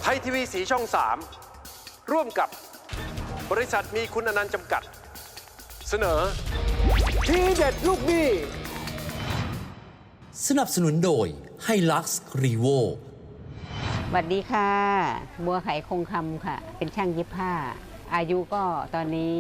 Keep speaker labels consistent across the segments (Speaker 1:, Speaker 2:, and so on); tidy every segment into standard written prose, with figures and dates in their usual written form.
Speaker 1: ไทยทีวีสีช่อง 3 ร่วมกับบริษัทมีคุณอนันต์จำกัด เสนอทีเด็ดลูกหนี้
Speaker 2: สนับสนุนโดยไฮลักซ์รีโว
Speaker 3: สวัสดีค่ะบัวไขคงคำค่ะ เป็นช่างเย็บผ้า อายุก็ตอนนี้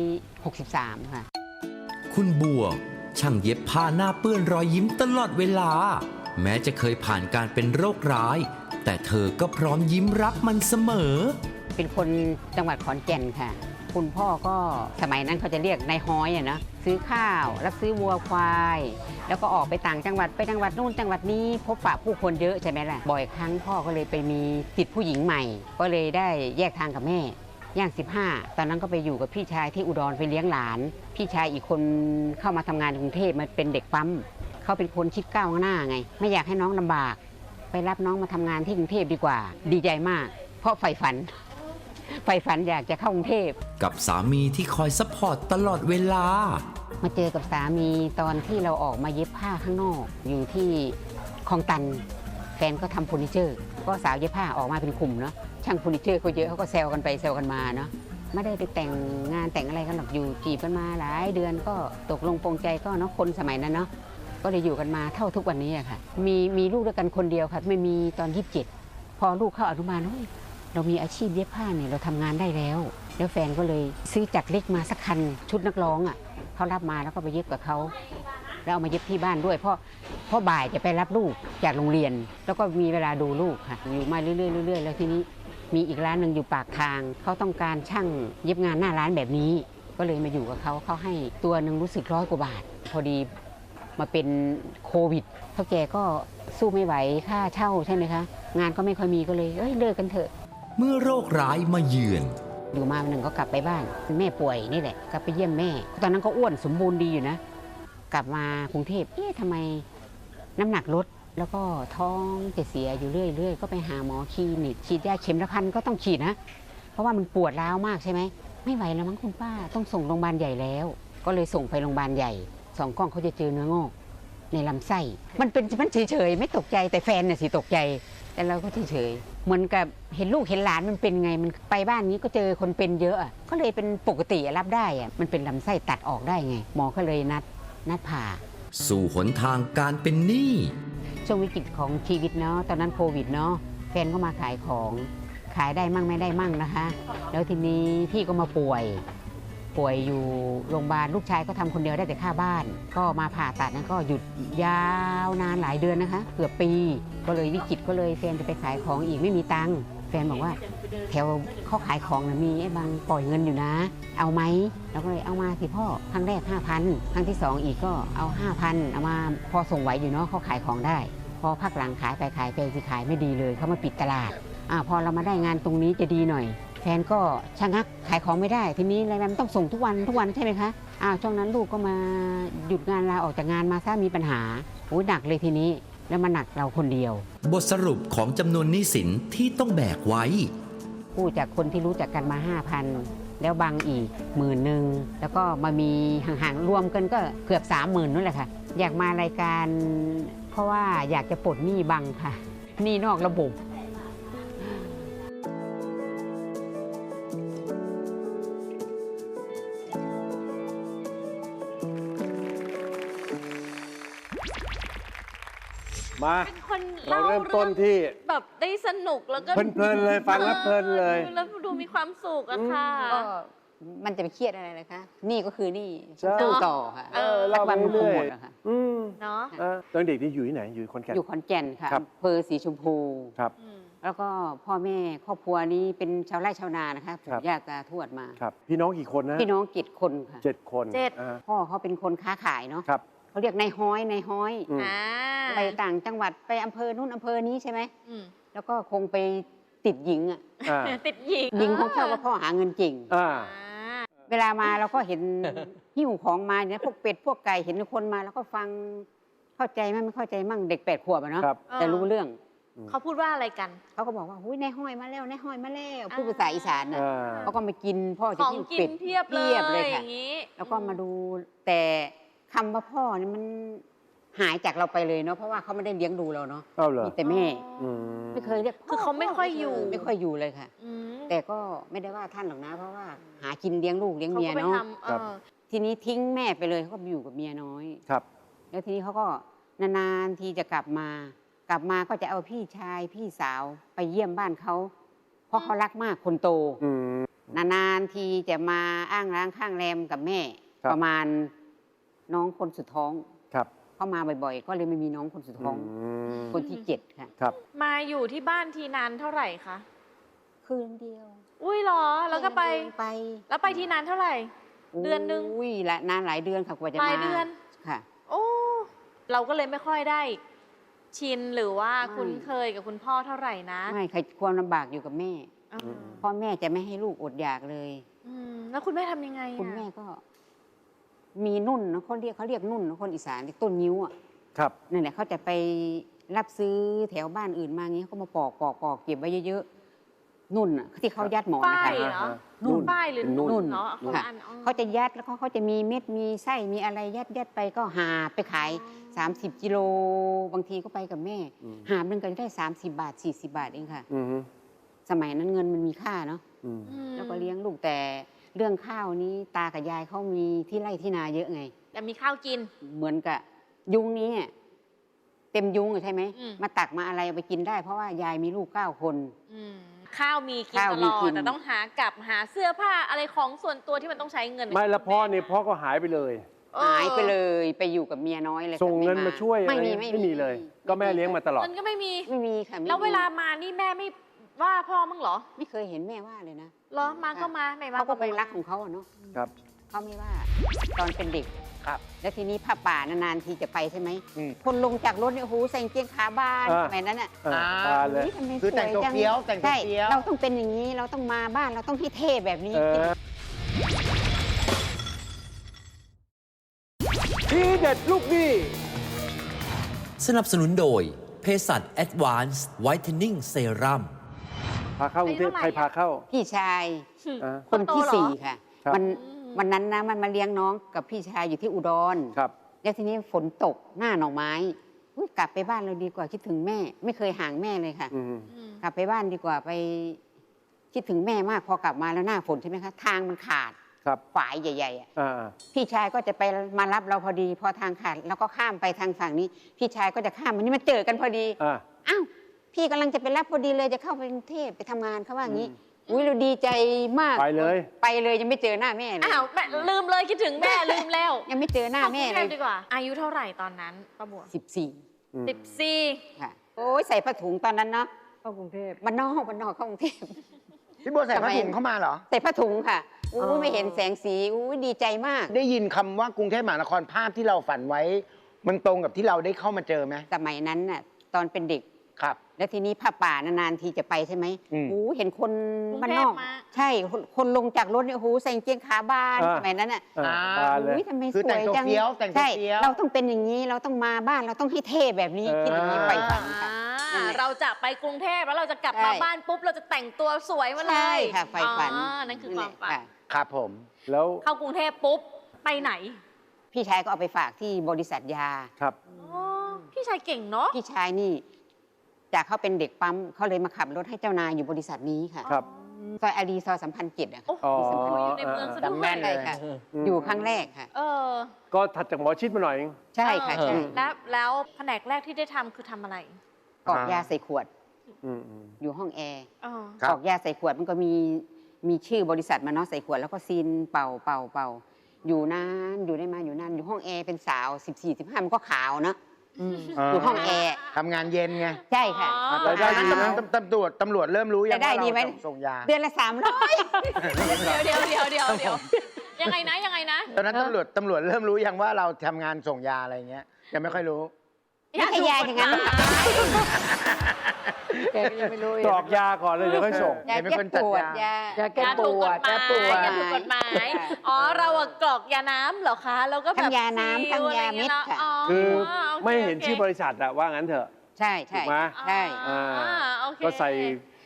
Speaker 3: 63 ค่ะ
Speaker 2: คุณบัวช่างเย็บผ้าหน้าเปื้อนรอยยิ้มตลอดเวลา แม้จะเคยผ่านการเป็นโรคร้าย แต่เธอก็พร้อมยิ้มรับมันเสมอ
Speaker 3: เป็นคนจังหวัดขอนแก่นค่ะ คุณพ่อก็สมัยนั้นเขาจะเรียกนายฮ้อยอะนะซื้อข้าวรับซื้อวัวควาย แล้วก็ออกไปต่างจังหวัดไปจังหวัดนู่นจังหวัดนี้พบปะผู้คนเยอะใช่ไหมล่ะบ่อยครั้งพ่อก็เลยไปมีติดผู้หญิงใหม่ ก็เลยได้แยกทางกับแม่ย่าง 15 ตอนนั้นก็ไปอยู่กับพี่ชายที่อุดรไปเลี้ยงหลาน พี่ชายอีกคนเข้ามาทำงานในกรุงเทพมาเป็นเด็กปั๊มเขาเป็นคนคิดก้าวหน้าไงไม่อยากให้น้องลำบากไปรับน้องมาทำงานที่กรุงเทพดีกว่าดีใจมากเพราะใฝ่ฝันอยากจะเข้ากรุงเทพ
Speaker 2: กับสามีที่คอยซัพพอร์ตตลอดเวลา
Speaker 3: มาเจอกับสามีตอนที่เราออกมาเย็บผ้าข้างนอกอยู่ที่คลองตันแฟนก็ทำเฟอร์นิเจอร์ก็สาวเย็บผ้าออกมาเป็นกลุ่มเนาะช่างเฟอร์นิเจอร์เขาเยอะเขาก็แซวกันไปแซวกันมาเนาะไม่ได้ไปแต่งงานแต่งอะไรกันหรอกอยู่จีบกันมาหลายเดือนก็ตกลงปรงใจก็เนาะคนสมัยนั้นเนาะก็เลยอยู่กันมาเท่าทุกวันนี้อะค่ะมีลูกด้วยกันคนเดียวค่ะไม่มีตอน27พอลูกเข้าอนุบาลเรามีอาชีพเย็บผ้าเนี่ยเราทำงานได้แล้วแฟนก็เลยซื้อจักรเล็กมาสักคันชุดนักร้องอ่ะเขารับมาแล้วก็ไปเย็บกับเขาแล้วเอามาเย็บที่บ้านด้วยเพราะบ่ายจะไปรับลูกจากโรงเรียนแล้วก็มีเวลาดูลูกค่ะอยู่มาเรื่อยๆแล้วทีนี้มีอีกร้านหนึ่งอยู่ปากทางเขาต้องการช่างเย็บงานหน้าร้านแบบนี้ก็เลยมาอยู่กับเขาให้ตัวหนึ่งรู้สึก100 กว่าบาทพอดีมาเป็นโควิดเท่าแกก็สู้ไม่ไหวค่าเช่าใช่ไหมคะงานก็ไม่ค่อยมีก็เลยเลิกกันเถอะ
Speaker 2: เมื่อโรคร้ายมาเยือน
Speaker 3: อยู่มาวันหนึ่งก็กลับไปบ้านแม่ป่วยนี่แหละกลับไปเยี่ยมแม่ตอนนั้นก็อ้วนสมบูรณ์ดีอยู่นะกลับมากรุงเทพทำไมน้ำหนักลดแล้วก็ท้องจะเสียอยู่เรื่อยๆก็ไปหาหมอคลินิกฉีดยาเข็มละ1,000ก็ต้องฉีดนะเพราะว่ามันปวดร้าวมากใช่ไหมไม่ไหวแล้วมั้งคุณป้าต้องส่งโรงพยาบาลใหญ่แล้วก็เลยส่งไปโรงพยาบาลใหญ่2 กล้องเขาจะเจอเนื้องอกในลำไส้มันเฉยๆไม่ตกใจแต่แฟนน่ะสิตกใจแต่เราก็เฉยๆเหมือนกับเห็นลูกเห็นหลานมันเป็นไงมันไปบ้านนี้ก็เจอคนเป็นเยอะก็เลยเป็นปกติรับได้มันเป็นลำไส้ตัดออกได้ไงหมอก็เลยนัดผ่า
Speaker 2: สู่หนทางการเป็นหนี้
Speaker 3: ช่วงวิกฤตของชีวิตเนาะตอนนั้นโควิดเนาะแฟนก็มาขายของขายได้มั่งไม่ได้มั่งนะคะแล้วทีนี้พี่ก็มาป่วยอยู่โรงพยาบาลลูกชายก็ทำคนเดียวได้แต่ค่าบ้านก็มาผ่าตัดนั้นก็หยุดยาวนานหลายเดือนนะคะเกือบปีก็เลยวิกฤตก็เลยแฟนจะไปขายของอีกไม่มีตังค์แฟนบอกว่าแถวเขาขายของนะมีไอ้บางปล่อยเงินอยู่นะเอาไหมเราก็เลยเอามาสิพ่อครั้งแรก 5,000 ครั้งที่2อีกก็เอา 5,000 เอามาพอส่งไหวอยู่เนาะเขาขายของได้พอพักหลังขายไปขายสิขายไม่ดีเลยเขามาปิดตลาดพอเรามาได้งานตรงนี้จะดีหน่อยแฟนก็ชะงักขายของไม่ได้ทีนี้รายวันต้องส่งทุกวันใช่ไหมคะช่วงนั้นลูกก็มาหยุดงานลาออกจากงานมาซะมีปัญหาหนักเลยทีนี้แล้วมาหนักเราคนเดียว
Speaker 2: บทสรุปของจำนวนหนี้สินที่ต้องแบกไว้
Speaker 3: กู้จากคนที่รู้จักกันมา 5,000 แล้วบังอีก10,000แล้วก็มามีห่างๆรวมกันก็เกือบ 30,000นั่นแหละค่ะอยากมารายการเพราะว่าอยากจะปลดหนี้บังค่ะหนี้นอกระบบ
Speaker 1: มา
Speaker 4: เป็นคน
Speaker 1: เราเริ่มต้นที่
Speaker 4: แบบได้สนุกแล้วก็
Speaker 1: เพลินเลยฟังแล้วเพลินเลย
Speaker 4: แล้วดูมีความสุขอะค่ะ
Speaker 3: ก็มันจะไปเครียดอะไรนะคะนี่ก็คือนี่สู้ต่อค่ะ
Speaker 1: เรา
Speaker 3: วันมันคงหมด
Speaker 1: อะ
Speaker 3: ค่ะ
Speaker 4: เนาะ
Speaker 1: ตอนเด็กที่อยู่ที่ไหนอยู่ขอนแก่น
Speaker 3: อยู่ขอนแก่นค่ะอำเภอสีชมพู
Speaker 1: ครับ
Speaker 3: แล้วก็พ่อแม่ครอบครัวนี้เป็นชาวไร่ชาวนานะคะปู่ย่าตาทวดมา
Speaker 1: ครับพี่น้องกี่คนนะ
Speaker 3: พี่น้อง7 คนค่ะ
Speaker 1: 7 คน
Speaker 4: 7
Speaker 3: พ่อเขาเป็นคนค้าขายเนาะ
Speaker 1: ครับ
Speaker 3: เขาเรียกนายฮ้อยไปต่างจังหวัดไปอำเภอนู้นอำเภอนี้ใช่ไหมแล้วก็คงไปติดหญิง
Speaker 4: ติดหญิง
Speaker 3: หญิงของเขาก็พ่อหาเงินเก่งเวลามาเราก็เห็นหิ้วของมาเนี่ยพวกเป็ดพวกไก่เห็นคนมาแล้วก็ฟังเข้าใจมั้ยไม่เข้าใจมั่งเด็ก8 ขวบเนาะแต่รู้เรื่อง
Speaker 4: เขาพูดว่าอะไรกัน
Speaker 3: เขาก็บอกว่าหุ้ยนายห้อยมาแล้วนายห้อยมาแล้วพูดภาษาอีสานน่ะเขาก็มากินพ่อจะกินเป็ด
Speaker 4: เพียบเลยค่ะ
Speaker 3: แล้วก็มาดูแต่คำว่าพ่อนี่มันหายจากเราไปเลยเนาะเพราะว่าเขาไม่ได้เลี้ยงดูเราเนาะ
Speaker 1: เอ้าเหรอ
Speaker 3: มีแต่แม่
Speaker 1: อืม
Speaker 3: ไม่เคยเรียก
Speaker 4: คือเขาไม่ค่อยอยู่
Speaker 3: ไม่ค่อยอยู่เลยค่ะ
Speaker 4: อืม
Speaker 3: แต่ก็ไม่ได้ว่าท่านหรอกนะ เพราะว่าหากินเลี้ยงลูกเลี้ยง
Speaker 4: เขา
Speaker 3: เมีย
Speaker 4: ก็ไป
Speaker 3: เนาะ
Speaker 4: ทำ
Speaker 3: ทีนี้ทิ้งแม่ไปเลยเขาก็ไปอยู่กับเมียน้อย
Speaker 1: ครับ
Speaker 3: แล้วทีนี้เขาก็นานๆทีจะกลับมา กลับมาก็จะเอาพี่ชายพี่สาวไปเยี่ยมบ้านเขาเพราะเขารักมากคนโต
Speaker 1: อืม
Speaker 3: นานๆทีจะมาอ้างร้างข้างแรมกับแม่
Speaker 1: ครับ
Speaker 3: ประมาณน้องคนสุดท้อง
Speaker 1: ครับ
Speaker 3: เข้ามาบ่อยๆ ก็เลยไม่มีน้องคนสุดท้อง คนที่7ค่ะ
Speaker 1: ครับ
Speaker 4: มาอยู่ที่บ้านทีนานเท่าไหร่คะ
Speaker 3: คืนเดียว
Speaker 4: อุ้ยเหรอ แล้วก็ไป
Speaker 3: ไป
Speaker 4: แล้วไปทีนานเท่าไหร่ เดือนหนึ่ง
Speaker 3: อุ้ยละนานหลายเดือนค่ะกว่าจะ
Speaker 4: ห
Speaker 3: มา
Speaker 4: ลายเดือน
Speaker 3: ค่ะ
Speaker 4: โอ้เราก็เลยไม่ค่อยได้ ชินหรือว่า
Speaker 3: ไม่
Speaker 4: คุ้นเคยกับคุณพ่อเท่าไหร่นะ
Speaker 3: ไม่ใครความลำบากอยู่กับแม่
Speaker 4: อ่า
Speaker 3: พ่อแม่จะไม่ให้ลูกอดอยากเลย
Speaker 4: แล้วคุณแม่ทำยังไงอะ
Speaker 3: คุณแม่ก็ มีนุ่นนะเขาเรียกนุ่นนะคนอีสานเรียกต้นนิ้วอ่ะ
Speaker 1: ครับ
Speaker 3: นั่นแหละเขาจะไปรับซื้อแถวบ้านอื่นมางี้เขาก็มาปอกเก็บไว้เยอะๆนุ่นอ่ะที่เขายัดหมอนนะ
Speaker 4: ป้าย
Speaker 3: คะ
Speaker 4: เหรอ
Speaker 1: นุ่น
Speaker 4: ป้ายหรือ
Speaker 1: เป็นนุ่น
Speaker 4: นุ่นเนาะ
Speaker 3: ค่ะ
Speaker 4: อันอ๋อ
Speaker 3: เขาจะยัดแล้วเขาจะมีเม็ดมีไส้มีอะไรยัดไปก็หาไปขาย30 กิโลบางทีก็ไปกับแม่
Speaker 1: อืม
Speaker 3: หาบหนึงก็ได้30 บาท40 บาทเองค่ะ
Speaker 1: อืม
Speaker 3: สมัยนั้นเงินมันมีค่าเนาะ
Speaker 1: อืม
Speaker 3: แล้วก็เลี้ยงลูกแต่เรื่องข้าวนี้ตากับยายเขามีที่ไร่ที่นาเยอะไง
Speaker 4: แต่มีข้าวกิน
Speaker 3: เหมือนกับยุงนี้อะเต็มยุงอะใช่ไหม
Speaker 4: อืม
Speaker 3: มาตักมาอะไรเอาไปกินได้ เพราะว่ายายมีลูก9 คน
Speaker 4: ข้าวมีกิน
Speaker 3: ข้าว
Speaker 4: ต
Speaker 3: มี
Speaker 4: ลอ
Speaker 3: กิ
Speaker 4: ด
Speaker 3: น
Speaker 4: แต่ต้องหากลับหาเสื้อผ้าอะไรของส่วนตัวที่มันต้องใช้เงิน
Speaker 1: ไม่แล้วพ่อนี่พ่อก็หายไปเลย
Speaker 4: เออ
Speaker 3: หายไปเลยไปอยู่กับเมียน้อยเลยค่ะ
Speaker 1: ส่งเงิน
Speaker 3: ไ
Speaker 1: มาช่วย
Speaker 3: ไม่
Speaker 1: อะไร
Speaker 3: มี
Speaker 1: ไม่มีเลย ก็แม่เลี้ยงมาตลอด
Speaker 4: เงินก็ไม่มี
Speaker 3: ไม่มีค่ะไม่มี
Speaker 4: แล้วเวลามานี่แม่ไม่ว่าพ่อมั้งเหรอ
Speaker 3: ไม่เคยเห็นแม่ว่าเลยนะ
Speaker 4: เหรอมาก็มาไม่มา
Speaker 3: เขาก็คง
Speaker 4: ไม่
Speaker 3: รักของเขาอะเนาะ
Speaker 1: ครับ
Speaker 3: เขาไม่ว่าตอนเป็นเด็ก
Speaker 1: ครับ
Speaker 3: แล้วทีนี้ผ้าป่านานๆทีจะไปใช่ไหม
Speaker 1: อืม
Speaker 3: คนลงจากรถเนี่ยโอ้โหใส่กางเกงขาบาน
Speaker 1: อ่า
Speaker 3: สมัยนั้นอ่ะ
Speaker 1: ตาเลย
Speaker 3: ฮ้ทำไม
Speaker 5: คือแต่งตัว
Speaker 3: สยจั
Speaker 5: เฟี้ยวแต่งตัว
Speaker 3: ใช่
Speaker 5: เฟี้ยว
Speaker 3: เราต้องเป็นอย่างนี้เราต้องมาบ้านเราต้องให้เท่แบบนี้
Speaker 1: ทีเด็ดลูกหนี้
Speaker 2: สนับสนุนโดยเภสัช Advanced Whitening Serum
Speaker 1: พาเข้ากรุงเทพใครพาเข้า
Speaker 3: พี่ชาย
Speaker 1: อ่า
Speaker 3: คนที่
Speaker 4: โตเหรอ
Speaker 3: 4 ค่ะ
Speaker 1: ครับ
Speaker 3: วันนั้นนะมันมาเลี้ยงน้องกับพี่ชายอยู่ที่อุดร
Speaker 1: ครับ
Speaker 3: แล้วทีนี้ฝนตกหน้าหน่อไม้อุ๊ยกลับไปบ้านเราดีกว่าคิดถึงแม่ ไม่เคยห่างแม่เลยค่ะ
Speaker 1: อืม
Speaker 3: กลับไปบ้านดีกว่าไปคิดถึงแม่มากพอกลับมาแล้วหน้าฝนใช่ไหมคะทางมันขาด
Speaker 1: ครับ
Speaker 3: ฝายใหญ่ๆอะ
Speaker 1: อ่า
Speaker 3: พี่ชายก็จะไปมารับเราพอดี พอทางขาดแล้วก็ข้ามไปทางฝั่งนี้ พี่ชายก็จะข้ามมันนี่มาเจอกันพอดี
Speaker 1: อ่า
Speaker 3: อ้าวพี่กำลังจะไปรับพอดีเลยจะเข้าไปกรุงเทพไปทำงานเขาว่าอย่างนี้อุ้ยเราดีใจมาก
Speaker 1: ไปเลย
Speaker 3: ไปเลยยังไม่เจอหน้าแม่เลย
Speaker 4: อ้าวแม่ลืมเลยคิดถึงแม่ลืมแล้ว
Speaker 3: ยังไม่เจอหน้าแม่
Speaker 4: เข้
Speaker 3: เล
Speaker 4: กรุงท
Speaker 3: ย
Speaker 4: พดีกว่า อายุเท่าไหร่ตอนนั้นป้าบัว
Speaker 3: 14
Speaker 1: อืม
Speaker 4: 14
Speaker 3: ค่ะโอ้ยใส่ผ้าถุงตอนนั้นเนาะ
Speaker 5: เข้ากรุงเทพ
Speaker 3: บ้านนอกเข้ากรุงเทพ
Speaker 5: พี่บัวใส่ผ้าถุงเข้ามาเหรอ
Speaker 3: ใส่ผ้าถุงค่ะ
Speaker 5: อ๋
Speaker 3: อุ้
Speaker 5: อ
Speaker 3: ยไม่เห็นแสงสีอุ้ยดีใจมาก
Speaker 5: ได้ยินคำว่ากรุงเทพมหานครภาพที่เราฝันไว้ มันตรงกับที่เราได้เข้ามาเจอไหม
Speaker 3: สมัยนั้นน่ะตอนเป็นเด็ก
Speaker 5: ครับ
Speaker 3: แล้วทีนี้ผ้าป่านานๆทีจะไปใช่ไหม
Speaker 5: อืม
Speaker 3: โอ้เห็นคน
Speaker 4: กรุงเทพ
Speaker 3: บ้านนอก
Speaker 4: มา
Speaker 3: ใช่คนลงจากรถเนี่ยโอ้โหใส่กางเกงขาบาน
Speaker 1: อ่า
Speaker 3: สมัยนั้นอ่ะ
Speaker 1: อ่าบานเลย
Speaker 3: อุ้ยทำไมส
Speaker 5: คือแต่
Speaker 3: วย
Speaker 5: งตัว
Speaker 3: จัง
Speaker 5: เฟี้ยวแต่งตัว
Speaker 3: ใช่
Speaker 5: เฟี้ยว
Speaker 3: เราต้องเป็นอย่างนี้เราต้องมาบ้านเราต้องให้เท่แบบนี้คิดอย่างนี้
Speaker 1: อ่า
Speaker 3: ไปฝันค่ะ นั่นแหละ
Speaker 4: เราจะไปกรุงเทพแล้วเราจะกลับมา
Speaker 3: ใช่
Speaker 4: บ้านปุ๊บเราจะแต่งตัวสวยมาเลย
Speaker 3: ใช่ค่ะไฟฝัน
Speaker 4: อ๋อนั่นคือความฝัน
Speaker 3: ค่ะ
Speaker 5: ครับผม
Speaker 1: แล้ว
Speaker 4: เข้ากรุงเทพปุ๊บไปไหน
Speaker 3: พี่ชายก็เอาไปฝากที่บริษัทยา
Speaker 1: ครับ
Speaker 4: อ๋อพี่ชายเก่งเนาะ
Speaker 3: พี่ชายนี่จากเขาเป็นเด็กปั๊มเขาเลยมาขับรถให้เจ้านายอยู่บริษัทนี้ค่ะ
Speaker 1: ครับ
Speaker 3: ซอยอารีซอยสัมพันธ์7อะ
Speaker 4: โอ้โห
Speaker 3: ค่ะ
Speaker 1: อ๋อ
Speaker 4: อยู่ในเมืองซะด้
Speaker 5: จำ
Speaker 4: ว
Speaker 5: แม่
Speaker 4: ย
Speaker 5: นเล
Speaker 3: ใช่
Speaker 5: ย
Speaker 3: ค่ะ
Speaker 1: อืม
Speaker 3: อยู่ครั้งแรกค่ะ
Speaker 4: เออ
Speaker 1: ก็ถัดจากหมอชิดมาหน่อยเอง
Speaker 3: ใช่ค่ะ
Speaker 4: เออ
Speaker 3: ใช่
Speaker 4: แล้วแผนกแรกที่ได้ทำคือทำอะไร
Speaker 3: กรอกยาใส่ขวด
Speaker 1: อืม
Speaker 3: อยู่ห้องแอร์
Speaker 4: อ๋อ
Speaker 5: ครั
Speaker 3: ก
Speaker 5: บ
Speaker 3: รอกยาใส่ขวดมันก็มีชื่อบริษัทมาเนาะใส่ขวดแล้วก็ซีนเป่าอยู่นานอยู่ได้มาอยู่นานอยู่ห้องแอร์เป็นสาว 14-15มันก็ขาวเนาะอยู่ห้องแอร์
Speaker 5: ทำงานเย็นไง
Speaker 3: ใช่ค่ะ
Speaker 1: รายได้ดีนะ
Speaker 5: ตำรวจเริ่มรู้ยัง
Speaker 3: รายได้
Speaker 5: ว่า
Speaker 3: ดีไหม
Speaker 5: เราส่งยา
Speaker 3: เดือนละ300
Speaker 4: เดี๋ยวยังไงนะ
Speaker 5: ตอนนั้นตำรวจเริ่มรู้ยังว่าเราทำงานส่งยาอะไรเงี้ยยังไม่ค่อยรู้
Speaker 3: ไม่ใช่ยาอย่างนั้น
Speaker 5: แกก็ยังไม่รู้
Speaker 1: กรอกยาก่อนเลยเดี๋ยวค่อยส่ง
Speaker 3: ยา
Speaker 5: เป็น
Speaker 3: แก้
Speaker 5: คนจัด
Speaker 3: ปวด
Speaker 5: ยา
Speaker 3: ยา
Speaker 4: ยาถูกกฎหมาย
Speaker 3: แก้ปวด
Speaker 4: ยาถูกกฎหมาย อ๋อ เราอะกรอกยาน้ำเหรอคะ แล้วก็แบบ
Speaker 3: ทั้งยาน้ำ
Speaker 4: ซีล
Speaker 3: ทั้งยาเม็ด
Speaker 4: อะไร
Speaker 3: ค่ะ
Speaker 4: งี้ยเนาะ
Speaker 1: คือ
Speaker 4: โอค
Speaker 1: ไม่เห็น
Speaker 4: โอเค
Speaker 1: ชื่อบริษัทอะว่างั้นเถอะ
Speaker 3: ใช่
Speaker 1: ถูกไหม
Speaker 3: ใช่
Speaker 4: อ่าโอเค
Speaker 1: ก็ใส่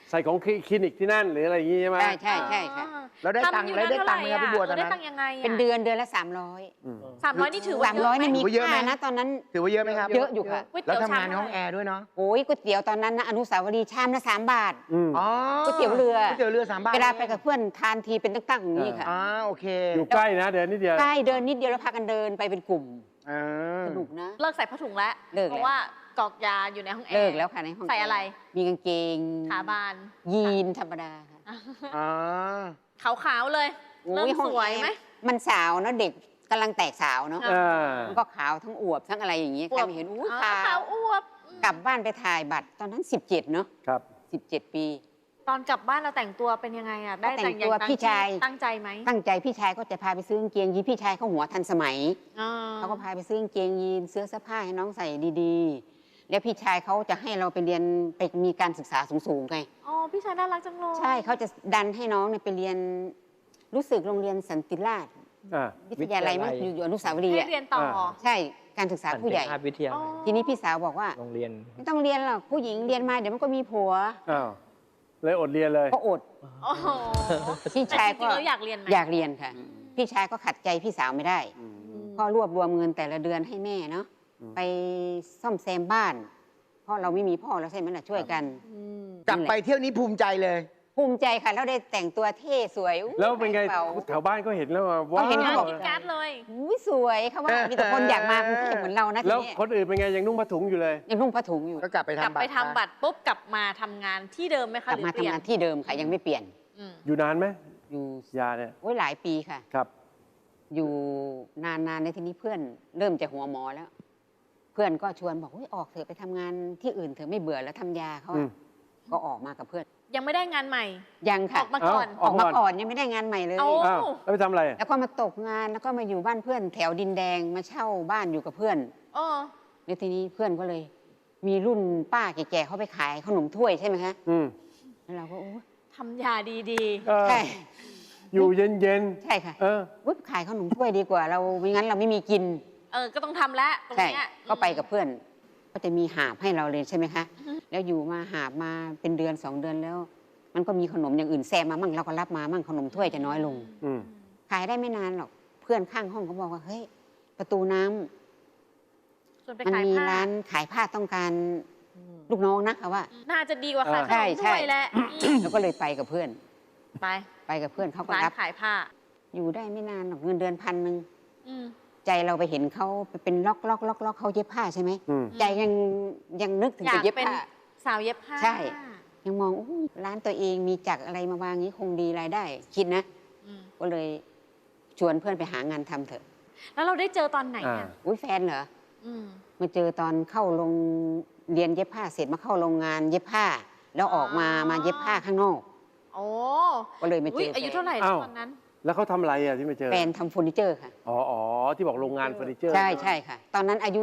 Speaker 1: ใส่ของคลินิกที่นั่นหรืออะไรอย่างงี้ใช่ไหม
Speaker 3: ใช่ใช่ใช่ค่ะ
Speaker 5: แล้วได้ตังค์
Speaker 4: ทำอยู่
Speaker 5: แล้วได้
Speaker 4: นาน
Speaker 5: ตังค์ไหมครับพี่บัวตอน
Speaker 4: ได้
Speaker 5: นั้น
Speaker 4: ตังค์ยังไงอะ
Speaker 3: เป็นเดือนละ300
Speaker 1: อืม
Speaker 4: 300นี่ถือว่า
Speaker 3: 300นี่มี
Speaker 5: เยอะไหม
Speaker 3: ค่านะตอนนั้น
Speaker 5: ถือว่าเยอะไหมครับ
Speaker 3: เยอะอยู่ค่ะ
Speaker 4: ก๋วย
Speaker 5: แล้ว
Speaker 4: เตี๋ยว
Speaker 5: ทำงานใน
Speaker 4: ชม
Speaker 5: ห้องแอร์ด้วยเนาะ
Speaker 3: โอ้ยก๋วยเตี๋ยวตอนนั้นนะอนุสาวรีย์ชามละ3 บาท
Speaker 1: อืม
Speaker 5: อ๋อ
Speaker 3: ก๋วยเตี๋ยวเรือ
Speaker 5: ก๋วยเตี๋ยวเรือ3 บาท
Speaker 3: เวลาไปกับเพื่อนทานทีเป็นตั้งๆอย่างนี้ค่ะ
Speaker 5: อ๋อโอเค
Speaker 1: อยู่ใกล้นะเดี๋ยวนิดเดียว
Speaker 3: ใช่เดินนิดเดียวแล้วพากันเดินไปเป็นกลุ่ม
Speaker 5: อ่า
Speaker 3: สนุกนะ
Speaker 4: เลิกใส่ผ้าถุงแล้ว
Speaker 3: เลิกแล้ว
Speaker 4: เพราะว่ากรอกยาอยู่ในห้องแอร์
Speaker 3: เลิกแล้วค่ะในห้อง
Speaker 4: ใส่อะไร
Speaker 3: มีกางเกง
Speaker 4: ขาบาน
Speaker 3: ยีนธรรมดาค่ะ
Speaker 5: อ๋อ
Speaker 4: ขาวๆเลย
Speaker 3: โอ้
Speaker 4: เริ่ม
Speaker 3: ห้อง
Speaker 4: สวยไหม
Speaker 3: แอร์มันสาวเนาะเด็กกำลังแตกสาวเนาะ
Speaker 1: อ่า
Speaker 3: มันก็ขาวทั้งอวบทั้งอะไรอย่างนี้ใครไม่เห็นอู้
Speaker 4: อ๋อ
Speaker 3: ขา
Speaker 4: ขาว วอวบ
Speaker 3: กลับบ้านไปถ่ายบัตรตอนนั้น17เนาะ
Speaker 1: ครับ
Speaker 3: 17 ปี
Speaker 4: ตอนกลับบ้านเราแต่งตัวเป็นยังไงอะได้
Speaker 3: ก็แต่ง
Speaker 4: อย่าง
Speaker 3: ตัว
Speaker 4: ตาม
Speaker 3: พี่ชาย
Speaker 4: ที่ตั้งใจไหม
Speaker 3: ตั้งใจพี่ชายก็จะพาไปซื้อกางเกงยีนพี่ชายเขาหัวทันสมัย
Speaker 4: อ่
Speaker 3: เขาก็พาไปซื้อกางเกงยีนเสื้อผ้าให้น้องใส่ดีๆ แล้วพี่ชายเขาจะให้เราไปเรียนไปมีการศึกษาสูงๆไง
Speaker 4: อ๋อพี่ชายน่ารักจังเลย
Speaker 3: ใช่เขาจะดันให้น้องเนี่ยไปเรียนรู้สึกโรงเรียนสันติราษฎร์
Speaker 1: อ่า
Speaker 3: วิทยาลัยมั้งอยู่อนุสาวรีย์
Speaker 4: ให้
Speaker 3: อะ
Speaker 4: เรียนต่อ
Speaker 3: ใช่การศึกษาผู้ใหญ่
Speaker 6: สันติภาพวิทยา
Speaker 4: อ๋อ
Speaker 6: ลัย
Speaker 3: ทีนี้พี่สาวบอกว่า
Speaker 6: โรงเรียน
Speaker 3: ไม่ต้องเรียนหรอกผู้หญิงเรียนมาเดี๋ยวมันก็มีผัว
Speaker 1: อ้าวเลยอดเรียนเลย
Speaker 3: ก็อด
Speaker 4: โอ้โห
Speaker 3: พี่ชาย
Speaker 4: แต่จริ
Speaker 3: ก็
Speaker 4: งๆแล้วอยากเรียนไหม
Speaker 3: อยากเรียนค่ะ พี่ชายก็ขัดใจพี่สาวไม่ได้
Speaker 1: อืม
Speaker 3: ก็รวบรวมเงินแต่ละเดือนให้แม่เนาะ
Speaker 1: อืม
Speaker 3: ไปซ่อมแซมบ้าน เพราะเราไม่มีพ่อแล้วใช่ไหมล่ะช่วยกัน
Speaker 5: กลับไปเที่ยวนี้ภูมิใจเลย
Speaker 3: ภูมิใจค่ะแล้วได้แต่งตัวเท่สวยอุ๊ย
Speaker 1: แล้วเป็นไง
Speaker 3: กระป๋า
Speaker 1: แถวบ้านก็เห็นแล้วว่าว้า
Speaker 3: เขาเห็นเขาบ
Speaker 1: ว
Speaker 3: อก
Speaker 4: กินการ์ดเลย
Speaker 3: อุ๊ยสวยเขาว่ามีแต่คนอยากมากรุงเทพเหมือนเรานะที
Speaker 1: แล้ว
Speaker 3: นี้
Speaker 1: คนอื่นเป็นไงยังนุ่งผ้าถุงอยู่เลย
Speaker 3: ยังนุ่งผ้าถุงอยู่
Speaker 5: ก็กลับไป
Speaker 4: กลับ
Speaker 5: ทำบัตร
Speaker 4: ไปทำบัตรปุ๊บกลับมาทำงานที่เดิมไหม
Speaker 3: ก
Speaker 4: คะ
Speaker 3: ลับ
Speaker 4: หรือ
Speaker 3: มา
Speaker 4: เปลี่ย
Speaker 3: ทำ
Speaker 4: น
Speaker 3: งานที่เดิมค่ะยังไม่เปลี่ยน
Speaker 4: อืม
Speaker 1: อยู่นานไหม
Speaker 3: อยู่
Speaker 1: ยาเนี่ย
Speaker 3: โอ้ยหลายปีค่ะ
Speaker 1: ครับ
Speaker 3: อยู่นานๆในทีนี้เพื่อนเริ่มจะหัวหมอแล้ว เพื่อนก็ชวนบอกออกเถอะไปทำงานที่อื่นเถอะไม่เบื่อแล้วทำยาเขา
Speaker 1: อื
Speaker 3: อะ
Speaker 1: ม
Speaker 3: ก็ออกมากับเพื่อน
Speaker 4: ยังไม่ได้งานใหม่
Speaker 3: ยัง
Speaker 4: อ
Speaker 3: ค่ะ
Speaker 4: อกมาก่อน
Speaker 3: ออกมาก่อนยังไม่ได้งานใหม่เลย
Speaker 4: เอา
Speaker 1: อ้าวแล้วไปทำอะไร
Speaker 3: แล้วก็มาตกงานแล้วก็มาอยู่บ้านเพื่อนแถวดินแดงมาเช่าบ้านอยู่กับเพื่อน
Speaker 4: เออ
Speaker 3: แล้วทีนี้เพื่อนก็เลย มีรุ่นป้าแก่ๆเขาไปขายขนมถ้วยใช่ไหมคะ
Speaker 1: อืม
Speaker 3: แล้วเราก็โอ้
Speaker 4: ทำยาดี
Speaker 1: เออ
Speaker 3: ใช่
Speaker 1: อยู่เย็น
Speaker 3: ใช่ค่ะ
Speaker 1: ๆเออ
Speaker 3: อุ๊ยขายขนมถ้วยดีกว่า เราไม่งั้นเราไม่มีกิน
Speaker 4: ๆ ก็ต้องทำแล้วตรง
Speaker 3: ใช่
Speaker 4: เนี้ย
Speaker 3: ก็ไปกับเพื่อน ก็จะมีหาบให้เราเลยใช่ไหมคะ แล้วอยู่มาหาบมาเป็นเดือน2 เดือนแล้ว มันก็มีขนมอย่างอื่นแซมมามั่งเราก็รับมามั่งขนมถ้วยจะน้อยลง
Speaker 1: อืม
Speaker 3: ขายได้ไม่นานหรอกเพื่อนข้างห้องเขาบอกว่าเฮ้ยประตูน้ำ
Speaker 4: ส่วนไป
Speaker 3: มัน
Speaker 4: ขาย
Speaker 3: มี
Speaker 4: ผ้า
Speaker 3: ร้านขายผ้าต้องการลูกน้องนะเขาว่า
Speaker 4: น่าจะดีกว่าขายข
Speaker 3: ใช่
Speaker 4: นม
Speaker 3: ใช่
Speaker 4: ด้วยแหละ
Speaker 3: แล้วก็เลยไปกับเพื่อน
Speaker 4: ไป
Speaker 3: ไปกับเพื่อนเขาก็
Speaker 4: ร้าน
Speaker 3: รับ
Speaker 4: ขายผ้า
Speaker 3: อยู่ได้ไม่นานหรอกเงินเดือน1,000
Speaker 4: อืม
Speaker 3: ใจเราไปเห็นเขาเป็นล็อกเขาเย็บผ้าใช่ไหม
Speaker 1: อืม
Speaker 3: ใจยังนึกถึง
Speaker 4: อยา
Speaker 3: จะ
Speaker 4: ก
Speaker 3: เย็บ
Speaker 4: เป็น
Speaker 3: ผ้า
Speaker 4: สาวเย็บผ้า
Speaker 3: ใช่ ยังมองอู้ร้านตัวเองมีจักรอะไรมาวางนี้คงดีรายได้ คิดนะ
Speaker 4: อืม
Speaker 3: ก็เลยชวนเพื่อนไปหางานทำเถอะ
Speaker 4: แล้วเราได้เจอตอนไหน
Speaker 1: อ่า
Speaker 4: อ่ะ
Speaker 3: อุ้ยแฟนเหรอ
Speaker 4: อืม
Speaker 3: มาเจอตอนเข้าโรงเรียนเย็บผ้าเสร็จมาเข้าโรงงานเย็บผ้า แล้วออกมาเย็บผ้าข้างนอก
Speaker 4: โอ้
Speaker 3: ก็เลยมาเจ
Speaker 4: อุ๊ย
Speaker 3: อ
Speaker 4: อายุ
Speaker 3: แฟน
Speaker 4: เท่าไหร่
Speaker 1: อ้าว
Speaker 4: ตอนนั้น
Speaker 1: แล้วเขาทำอะไรอ่ะที่ไปเจอ
Speaker 3: แฟนทำเฟอร์นิเจอร์ค่ะ
Speaker 1: อ๋อที่บอกโรงงานเฟอร์นิเจอร์
Speaker 3: ใช่ใช่ค่ะ ตอนนั้นอายุ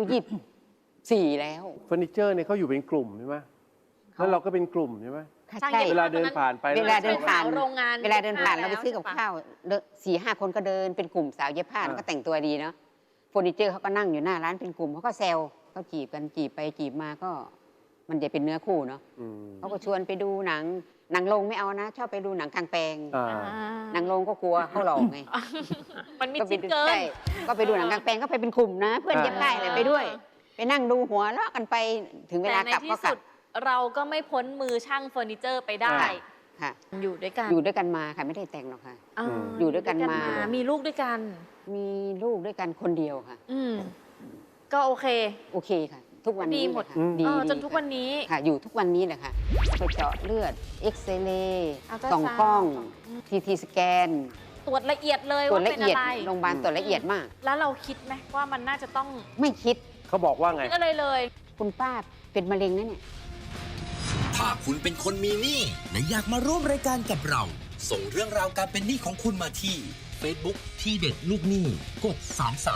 Speaker 3: 24แล้ว
Speaker 1: เฟอร์นิเจอร์เนี่ยเขาอยู่เป็นกลุ่มใช่ไหมแล้วเราก็เป็นกลุ่มใช่ไหม
Speaker 3: ค่ะ
Speaker 4: ช่าง
Speaker 3: ใช่
Speaker 4: เย็บ
Speaker 1: เวลาเดินผ่านไป
Speaker 3: เวลาเดินผ่าน
Speaker 4: โรงงาน
Speaker 3: เวลาเดินผ่านเราไปซื้อกับ
Speaker 4: แล้ว
Speaker 3: ข้าว4-5 คนก็เดินเป็นกลุ่มสาวเย็บผ้าแล้วก็แต่งตัวดีเนาะเฟอร์นิเจอร์เขาก็นั่งอยู่หน้าร้านเป็นกลุ่มเขาก็แซวเขาจีบกันจีบไปจีบมาก็ มันจะเป็นเนื้อคู่เนาะ
Speaker 1: อืม
Speaker 3: เขาก็ชวนไปดูหนังโรงไม่เอานะ ชอบไปดูหนังกลางแปลง
Speaker 1: อ่า
Speaker 4: อ่า
Speaker 3: หนังโรงก็กลัวเขาหลอกไง
Speaker 4: มันมี
Speaker 3: ก็ไป
Speaker 4: จิ๊ก
Speaker 3: ดู
Speaker 4: เกิน
Speaker 3: ใช่ก็ไปดูหนังกลางแปลงก็ไปเป็นกลุ่มนะ เพื่อนเย็บผ้าอะไรไปด้วย ไปนั่งดูหัวเราะกันไปถึงเวลา
Speaker 4: แต่ใน
Speaker 3: กลับ
Speaker 4: ที่
Speaker 3: ก็กลั
Speaker 4: สุ
Speaker 3: บ
Speaker 4: ดเราก็ไม่พ้นมือช่างเฟอร์นิเจอร์ไปได้
Speaker 3: ค่ะ
Speaker 4: อยู่ด้วยกัน
Speaker 3: อยู่ด้วยกันมาค่ะไม่ได้แต่งหรอกค่ะ
Speaker 4: า
Speaker 3: อยู่ด้วยกันมา
Speaker 4: มีลูกด้วยกัน
Speaker 3: มีลูกด้วยกันคนเดียวค่ะ
Speaker 4: อืมก็โอเค
Speaker 3: โอเคค่ะ ทุกวันนี้
Speaker 4: ดีหมด
Speaker 3: เลยค่ะดี
Speaker 4: จน
Speaker 3: ดี
Speaker 4: ทุก
Speaker 3: ค่ะ
Speaker 4: วันนี้
Speaker 3: ค่ะ อยู่ทุกวันนี้แหละค่ะไปเจาะเลือดเอ็กซเรย์
Speaker 4: อัลตรา
Speaker 3: ส่อง
Speaker 4: ซาวด์
Speaker 3: กล้อง
Speaker 4: อืม
Speaker 3: ทีสแกน
Speaker 4: ตรวจละเอียดเลย
Speaker 3: ตรวจ
Speaker 4: ว่า
Speaker 3: ละ
Speaker 4: เป็น
Speaker 3: เอียด
Speaker 4: อะไร
Speaker 3: โรงพยาบาลตรวจละเอียดมาก
Speaker 4: แล้วเราคิดไหมว่ามันน่าจะต้อง
Speaker 3: ไม่คิด
Speaker 1: เขาบอกว่าไง
Speaker 4: คิดอะไรเลย
Speaker 3: คุณป้าเป็นมะเร็งนะเนี่ย
Speaker 2: ถ้าคุณเป็นคนมีหนี้และอยากมาร่วมรายการกับเรา ส่งเรื่องราวการเป็นหนี้ของคุณมาที่ Facebook ที่เด็ดลูกหนี้กด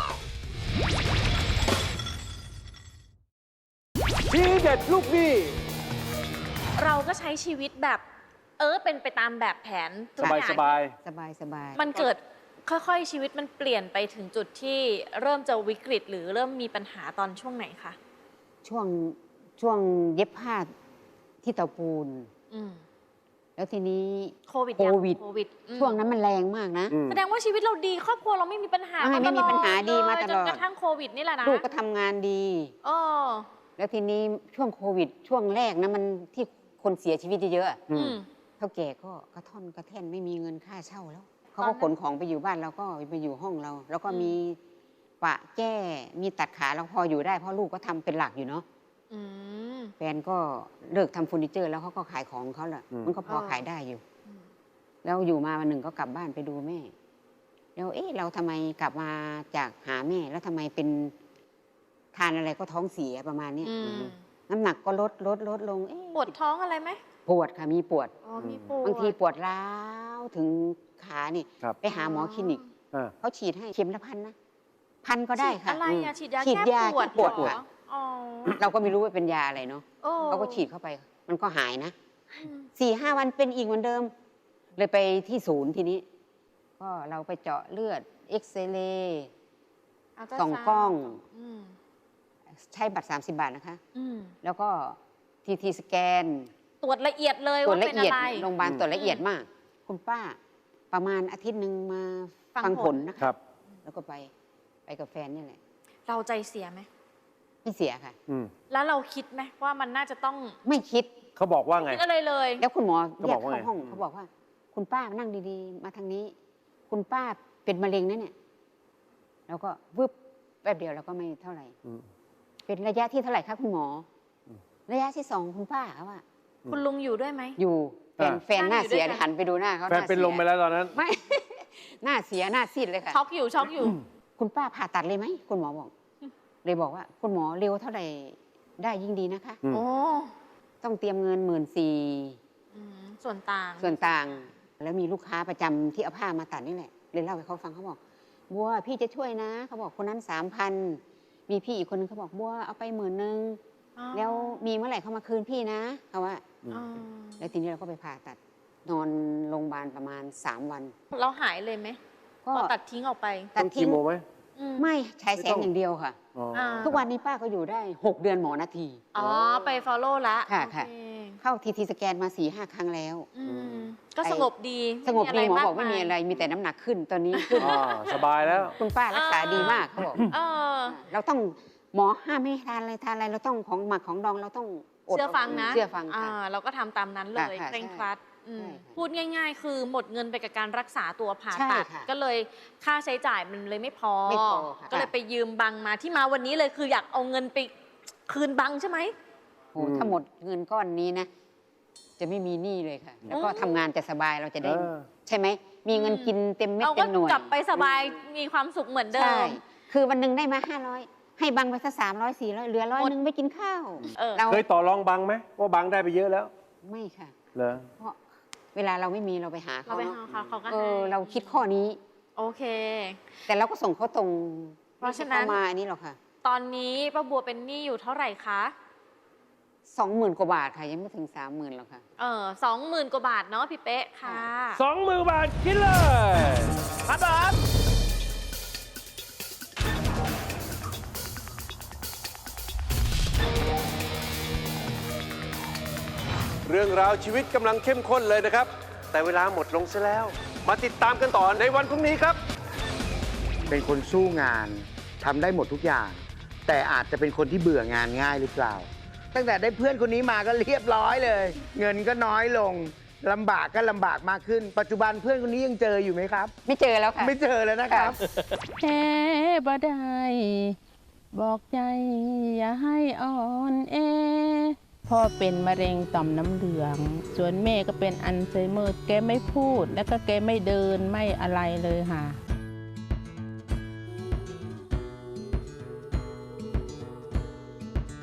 Speaker 2: 33
Speaker 1: ทีเด็ดลูกหนี้
Speaker 4: เราก็ใช้ชีวิตแบบ เป็นไปตามแบบแผนทุก
Speaker 1: สบาย
Speaker 4: อย่
Speaker 1: ส
Speaker 4: ง
Speaker 1: บาย
Speaker 3: สบายสบาย
Speaker 4: มันเกิดค่อยๆชีวิตมันเปลี่ยนไปถึงจุดที่เริ่มจะวิกฤต หรือเริ่มมีปัญหาตอนช่วงไหนคะ
Speaker 3: ช่วงเย็บผ้าที่เตาปูน
Speaker 4: อืม
Speaker 3: แล้วทีนี้
Speaker 4: โควิด
Speaker 3: โควิด
Speaker 4: โควิดอืม
Speaker 3: ช่วงนั้นมันแรงมากนะ
Speaker 1: อืม
Speaker 4: แสดงว่าชีวิตเราดีครอบครัวเราไม่มีปัญหา
Speaker 3: ไม่มีปัญหาดีมาตลอด
Speaker 4: จนกระทั่งโควิดนี่แหละนะ
Speaker 3: ลูกก็ทำงานดี
Speaker 4: เออ
Speaker 3: แล้วทีนี้ช่วงโควิด ช่วงแรกนะมันที่คนเสียชีวิตเยอะๆอะ
Speaker 1: อืม
Speaker 4: อืม
Speaker 3: เท่าแก่ก็กระท่อนกระแท่นไม่มีเงินค่าเช่าแล้วเขา
Speaker 4: ตอ
Speaker 3: ก็
Speaker 4: นนั้น
Speaker 3: ขนของไปอยู่บ้านเราก็ไปอยู่ห้องเรา แล้วก็
Speaker 4: อืม
Speaker 3: มีปะแก้มีตัดขาเราพออยู่ได้เพราะลูกก็ทำเป็นหลักอยู่เนาะ
Speaker 4: อืม
Speaker 3: แฟนก็เลิกทำเฟอร์นิเจอร์แล้วเขาก็ขายของเขาแหละ
Speaker 1: อืม
Speaker 3: มันก็พอ
Speaker 4: อ๋อ
Speaker 3: ขายได้อยู่
Speaker 4: อืม
Speaker 3: แล้วอยู่มาวันหนึ่งก็กลับบ้านไปดูแม่ แล้วเราทำไมกลับมาจากหาแม่ แล้วทำไมเป็นทานอะไรก็ท้องเสียประมาณเนี้ย
Speaker 4: อืม
Speaker 3: น้ำหนักก็ลดลง
Speaker 4: ปวดท้องอะไรไหม
Speaker 3: ปวดค่ะมีปวด
Speaker 4: อ๋อมีปวด
Speaker 3: บางทีปวดร้าวถึงขานี่
Speaker 1: ครับ
Speaker 3: ไปหาหมอคลินิก
Speaker 1: อ่า
Speaker 3: เขาฉีดให้เข็มละ1,000นะ1,000ก็ได้ค่ะ
Speaker 4: อะไรอะฉีดยา
Speaker 3: ฉีด
Speaker 4: แก้
Speaker 3: ยา
Speaker 4: ปวด
Speaker 3: แก้ปวด
Speaker 4: เหรอ
Speaker 3: ค่ะ
Speaker 4: อ๋อ
Speaker 3: เราก็ไม่รู้ว่าเป็นยาอะไรเนาะ
Speaker 4: โอ้
Speaker 3: เขาก็ฉีดเข้าไป มันก็หายนะ
Speaker 4: อืม
Speaker 3: 4-5 วันเป็นอีกเหมือนเดิม เลยไปที่ศูนย์ทีนี้ ก็เราไปเจาะเลือดเอ็กซเรย์
Speaker 4: อัลตรา
Speaker 3: ส่อง
Speaker 4: ซาวด์
Speaker 3: กล้อง
Speaker 4: อืม
Speaker 3: ใช้บัตร 30 บาทนะคะ
Speaker 4: อืม
Speaker 3: แล้วก็ทีสแกน
Speaker 4: ตรวจละเอียดเลย
Speaker 3: ตรวจ
Speaker 4: ว่า
Speaker 3: ละ
Speaker 4: เป็น
Speaker 3: เอียด
Speaker 4: อะไร
Speaker 3: โรงพยาบาลตรวจละเอียดมาก คุณป้าประมาณอาทิตย์หนึ่งมา
Speaker 4: ฟัง
Speaker 3: ฟังผ
Speaker 4: ผ
Speaker 3: ล
Speaker 4: ล
Speaker 3: นะ
Speaker 1: ค
Speaker 3: คะ
Speaker 1: รับ
Speaker 3: แล้วก็ไปกับแฟนนี่แหละ
Speaker 4: เราใจเสียไหม
Speaker 3: ไม่เสียค่ะ
Speaker 1: อืม
Speaker 4: แล้วเราคิดไหมว่ามันน่าจะต้อง
Speaker 3: ไม่คิด
Speaker 1: เขาบอกว่าไง
Speaker 4: คิดอะไรเลย
Speaker 3: แล้วคุณหมอ
Speaker 1: เขา
Speaker 3: แย
Speaker 1: บอก
Speaker 3: ก
Speaker 1: ว่าไง
Speaker 3: เข้าห้องเขาบอกว่า คุณป้านั่งดีๆ มาทางนี้ คุณป้าเป็นมะเร็งนะเนี่ย แล้วก็วึบแป๊บเดียวแล้วก็ไม่เท่าไหร่
Speaker 1: อืม
Speaker 3: เป็นระยะที่เท่าไหร่คะคุณหมอ
Speaker 1: อืม
Speaker 3: ระยะที่ 2 คุณป้าเขาว่า
Speaker 4: คุณลุงอยู่ด้วยไหม
Speaker 3: อยู่แฟน
Speaker 1: อ่า
Speaker 3: แฟนหน้าเสีย
Speaker 4: นั่งอยู่ด้วยกัน
Speaker 3: หันไปดูหน้าเขา
Speaker 1: แฟนเป็นลมไปแล้วตอนนั้น
Speaker 3: ไม่ หน้าเสียหน้าซีดเลยค่ะ
Speaker 4: ช็อกอยู่ช็อกอยู่
Speaker 3: คุณป้าผ่าตัดเลยไหมคุณหมอบอก เลยบอกว่า คุณหมอเร็วเท่าไหร่ได้ยิ่งดีนะคะ
Speaker 1: อืม
Speaker 4: โอ้
Speaker 3: ต้องเตรียมเงิน14,000
Speaker 4: อืมส่วนต่าง
Speaker 3: ส่วนต่างแล้วมีลูกค้าประจำที่เอาผ้ามาตัดนี่แหละเลยเล่าให้เขาฟังเขาบอกบัวพี่จะช่วยนะเขาบอกคนนั้น3,000มีพี่อีกคนนึงเขาบอกบัวเอาไป10,000
Speaker 4: อ๋อ
Speaker 3: แล้วมีเมื่อไหร่เขามาคืนพี่นะเขาว่า
Speaker 4: อ๋อ
Speaker 3: แล้วทีนี้เราก็ไปผ่าตัด นอนโรงพยาบาลประมาณ3 วัน
Speaker 4: เราหายเลยไหม
Speaker 3: ก็
Speaker 4: เราตัดทิ้งออกไป
Speaker 3: ตัด
Speaker 1: ต้อง
Speaker 3: ทิ้
Speaker 1: คี
Speaker 3: ง
Speaker 1: โมไหม
Speaker 4: อืม
Speaker 3: ไม่ใช้แส
Speaker 1: ไม่
Speaker 3: ง
Speaker 1: ต้อง
Speaker 3: อย่างเดียวค่ะ
Speaker 1: อ๋อ
Speaker 4: อ่า
Speaker 3: ทุกวันนี้ป้าก็อยู่ได้ 6 เดือนหมอนาที
Speaker 4: อ๋อ ไป follow ละ
Speaker 3: ค่ะ
Speaker 4: โอ
Speaker 3: ค่ะ
Speaker 4: เ
Speaker 3: เข้าทีสแกนมา4-5 ครั้งแล้ว
Speaker 4: อืมก็สงบดี
Speaker 3: สงบดีหมอ
Speaker 4: าก
Speaker 3: บอกไม่มีอะไรมีแต่น้ำหนักขึ้นตอนนี้ขึ้น
Speaker 1: อ่าสบายแล้ว
Speaker 3: คุณป้ารักษาดีมากเขาบอก
Speaker 4: เออ
Speaker 3: เราต้องหมอห้ามไม่ให้ทานอะไรเราต้องของหมักของดองเราต้องอด
Speaker 4: เชื่อฟังนะ
Speaker 3: เชื่อฟังค่ะ
Speaker 4: เราก็ทำตามนั้นเลย
Speaker 3: ค่ะ
Speaker 4: เคร่งครัดอืม
Speaker 3: ใช่ค่ะ
Speaker 4: พูดง่าย ๆ คือหมดเงินไปกับการรักษาตัวผ่า
Speaker 3: ใช่
Speaker 4: ตัด
Speaker 3: ค่ะ
Speaker 4: ก็เลยค่าใช้จ่ายมันเลยไม่พอ
Speaker 3: ไม่พอค่ะ
Speaker 4: ก็เลยไปยืมบังมาที่มาวันนี้เลยคืออยากเอาเงินไปคืนบังใช่ไหม
Speaker 3: โหถ้าหมดเงินก้อนนี้นะ จะไม่มีหนี้เลยค่ะ แล้วก็ทำงานจะสบายเราจะได้
Speaker 1: เออ
Speaker 3: ใช่ไหม มีเงินกินเต็มเม็ด
Speaker 4: เรา
Speaker 3: เต็
Speaker 4: ก็
Speaker 3: มหน่วย
Speaker 4: กลับไปสบายมีความสุขเหมือนเดิ
Speaker 3: ใช่
Speaker 4: ม
Speaker 3: คือวันหนึ่งได้มา500ให้บังไปสัก300 400เหลือ100
Speaker 4: หมด
Speaker 3: นึงไปกินข้าว
Speaker 4: เออ
Speaker 3: เรา
Speaker 1: เคยต่อรองบังไหมว่าบังได้ไปเยอะแล้ว
Speaker 3: ไม่ค่ะ
Speaker 1: เหรอ
Speaker 3: เพราะเวลาเราไม่มีเราไปหา
Speaker 4: เรา
Speaker 3: เขา
Speaker 4: ไป
Speaker 3: เนอะ
Speaker 4: หาเขาเขาก็
Speaker 3: เอ
Speaker 4: ให้
Speaker 3: อเราคิดข้อนี้
Speaker 4: โอเค
Speaker 3: แต่เราก็ส่งเขาตรง
Speaker 4: เพราะฉะนั้น
Speaker 3: ไม่ใช่เขามาอันนี้หรอกค่ะ
Speaker 4: ตอนนี้ป้าบัวเป็นหนี้อยู่เท่าไหร่คะ
Speaker 3: 20,000 กว่าบาทค่ะ ยังไม่ถึง 30,000หรอกค่ะ
Speaker 4: 20,000 กว่าบาทเนาะพี่เป๊ะค่ะ
Speaker 1: 20,000 บาทคิดเลยพันบาทเรื่องราวชีวิตกำลังเข้มข้นเลยนะครับ แต่เวลาหมดลงซะแล้ว มาติดตามกันต่อในวันพรุ่งนี้ครับ
Speaker 5: เป็นคนสู้งานทำได้หมดทุกอย่าง แต่อาจจะเป็นคนที่เบื่องานง่ายหรือเปล่า ตั้งแต่ได้เพื่อนคนนี้มาก็เรียบร้อยเลย เงินก็น้อยลงลำบากก็ลำบากมากขึ้น ปัจจุบันเพื่อนคนนี้ยังเจออยู่ไหมครับ
Speaker 3: ไม่เจอแล้วค่ะ
Speaker 5: ไม่เจอแล้วนะครับ
Speaker 6: แพ้บ่ได้ บอกใจอย่าให้อ่อนแอพ่อเป็นมะเร็งต่อมน้ำเหลือง ส่วนแม่ก็เป็นอัลไซเมอร์แกไม่พูด แล้วก็แกไม่เดินไม่อะไรเลยค่ะ